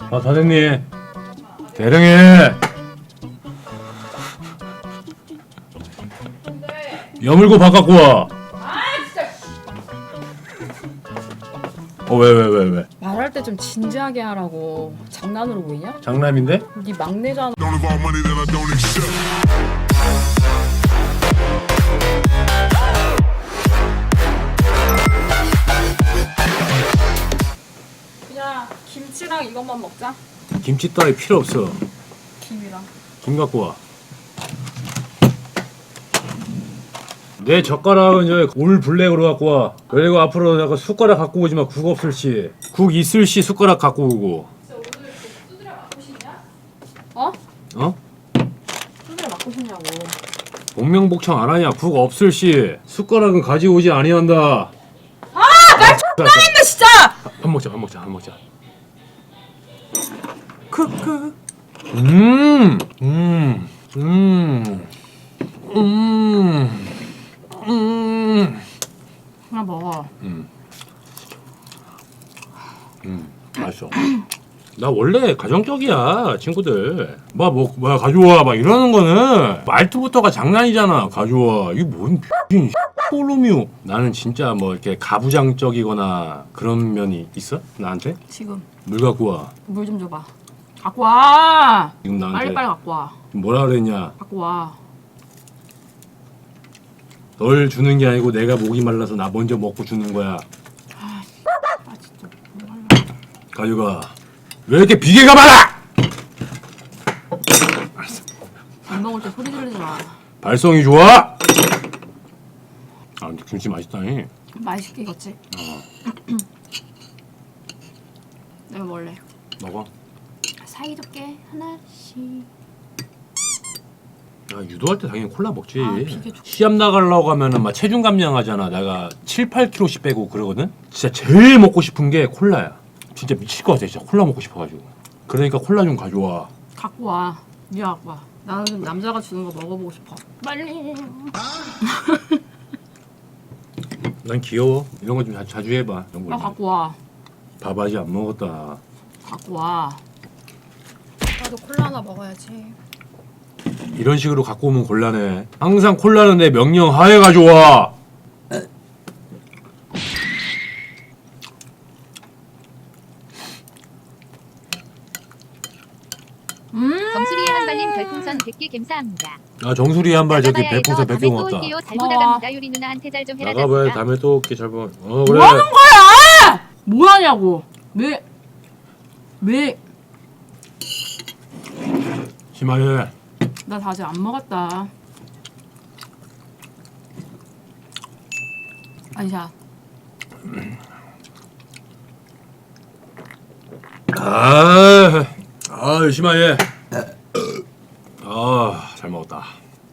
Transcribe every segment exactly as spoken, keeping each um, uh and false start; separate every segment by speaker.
Speaker 1: 아 다 됐니? 대령해. 여물고 밥 갖고 와.
Speaker 2: 아 진짜.
Speaker 1: 어 왜 왜 왜 왜?
Speaker 2: 말할 때 좀 진지하게 하라고. 장난으로 보이냐?
Speaker 1: 장남인데?
Speaker 2: 네 막내잖아.
Speaker 3: Don't involve money that I don't accept.
Speaker 2: 그냥 김치랑 이것만 먹자.
Speaker 1: 김치 따위 필요 없어.
Speaker 2: 김이랑.
Speaker 1: 김 갖고 와. 내 젓가락은 저올 블랙으로 갖고 와. 그리고 앞으로 내가 숟가락 갖고 오지 마. 국 없을 시. 국 있을 시 숟가락 갖고 오고.
Speaker 2: 진짜 오늘 두드려 맞고 싶냐? 어?
Speaker 1: 어?
Speaker 2: 두드려 맞고 싶냐고.
Speaker 1: 복명복창 안 하냐? 국 없을 시 숟가락은 가지고 오지 아니한다.
Speaker 2: 아! 말 X나 했네 진짜!
Speaker 1: 밥 먹자, 밥 먹자, 밥 먹자. 크크. 음, 음, 음, 음, 음.
Speaker 2: 하나 먹어.
Speaker 1: 음, 음, 맛있어. 나 원래 가정적이야, 친구들. 막 뭐, 뭐 가져와, 막 이러는 거는 말투부터가 장난이잖아. 가져와. 이게 뭔 X인 꼴놈이오. 나는 진짜 뭐 이렇게 가부장적이거나 그런 면이 있어? 나한테?
Speaker 2: 지금
Speaker 1: 물 갖고 와.
Speaker 2: 물 좀 줘봐. 갖고 와.
Speaker 1: 지금 나한테
Speaker 2: 빨리 빨리 갖고 와.
Speaker 1: 뭐라 그랬냐?
Speaker 2: 갖고 와.
Speaker 1: 널 주는 게 아니고 내가 목이 말라서 나 먼저 먹고 주는 거야.
Speaker 2: 아 진짜.
Speaker 1: 가져가. 왜 이렇게 비계가 많아?
Speaker 2: 안 먹을 때 소리 지르지 마.
Speaker 1: 발성이 좋아? 아 근데 김치 맛있다니.
Speaker 2: 맛있게 익었지? 내가 먹을래.
Speaker 1: 먹어.
Speaker 2: 사이좋게 하나씩.
Speaker 1: 야 유도할 때 당연히 콜라 먹지.
Speaker 2: 아, 비계 좋-
Speaker 1: 시합 나가려고 하면은 막 체중 감량하잖아. 내가 칠, 팔 킬로그램씩 빼고 그러거든. 진짜 제일 먹고 싶은 게 콜라야. 진짜 미칠 것 같아. 진짜 콜라 먹고 싶어가지고. 그러니까 콜라 좀 가져와.
Speaker 2: 갖고 와. 네가 갖고 와. 나는 남자가 주는 거 먹어보고 싶어. 빨리.
Speaker 1: 난 귀여워. 이런 거 좀 자주 해봐. 이런
Speaker 2: 나
Speaker 1: 거.
Speaker 2: 갖고 와.
Speaker 1: 밥 아직 안 먹었다.
Speaker 2: 갖고 와.
Speaker 4: 나도 콜라 하나 먹어야지.
Speaker 1: 이런 식으로 갖고 오면 곤란해. 항상 콜라는 내 명령 하에 가져와.
Speaker 5: 정수리의 한발님 별풍선 백 개 감사합니다.
Speaker 1: 아 정수리 한 발 저기
Speaker 5: 나가봐야 해서
Speaker 1: 별풍선 백 개
Speaker 5: 다음에 또
Speaker 1: 고맙다.
Speaker 5: 올게요. 잘
Speaker 2: 고마워.
Speaker 5: 보다갑니다. 요리 누나한테 잘 좀 해라.
Speaker 1: 나가봐야 다음에 또 올게. 잘 봐. 어 그래.
Speaker 2: 뭐 하는 거야? 뭐 하냐고. 왜? 왜?
Speaker 1: 심하게.
Speaker 2: 나 다 아직 안 먹었다. 아니야.
Speaker 1: 아, 아 심하게. 아, 잘 먹었다.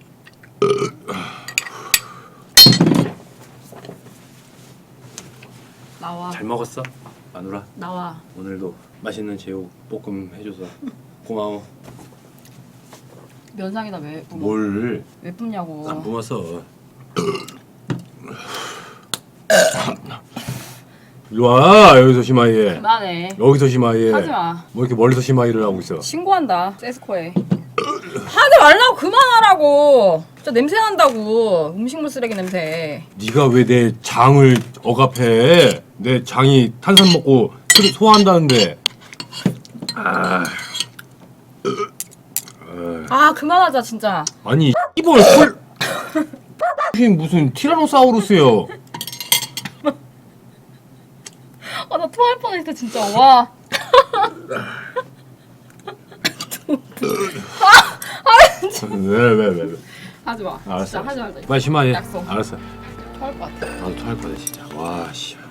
Speaker 2: 나와.
Speaker 1: 잘 먹었어, 마누라.
Speaker 2: 나와.
Speaker 1: 오늘도 맛있는 제육 볶음 해줘서 고마워.
Speaker 2: 면상에다 왜 뿜어?
Speaker 1: 뭘?
Speaker 2: 왜 뿜냐고.
Speaker 1: 안 뿜었어. 이리 와 여기서 심하게.
Speaker 2: 그만해.
Speaker 1: 여기서 심하게.
Speaker 2: 하지 마.
Speaker 1: 뭐 이렇게 멀리서 심하게를 하고 있어.
Speaker 2: 신고한다. 세스코에. 하지 말라고 그만하라고. 진짜 냄새 난다고. 음식물 쓰레기 냄새.
Speaker 1: 네가 왜 내 장을 억압해? 내 장이 탄산 먹고 소- 소화한다는데. 아,
Speaker 2: 아 그만하자 진짜.
Speaker 1: 아니 이번 콜 무슨 티라노사우루스요?
Speaker 2: 아 나 토할 뻔했어 진짜. 와.
Speaker 1: 왜 왜 왜 왜?
Speaker 2: 하지 마.
Speaker 1: 알았어.
Speaker 2: 진짜 하지 말자.
Speaker 1: 빨리 심하게.
Speaker 2: 약속.
Speaker 1: 알았어.
Speaker 2: 토할 것 같아.
Speaker 1: 나도 토할 거야 진짜. 와 씨.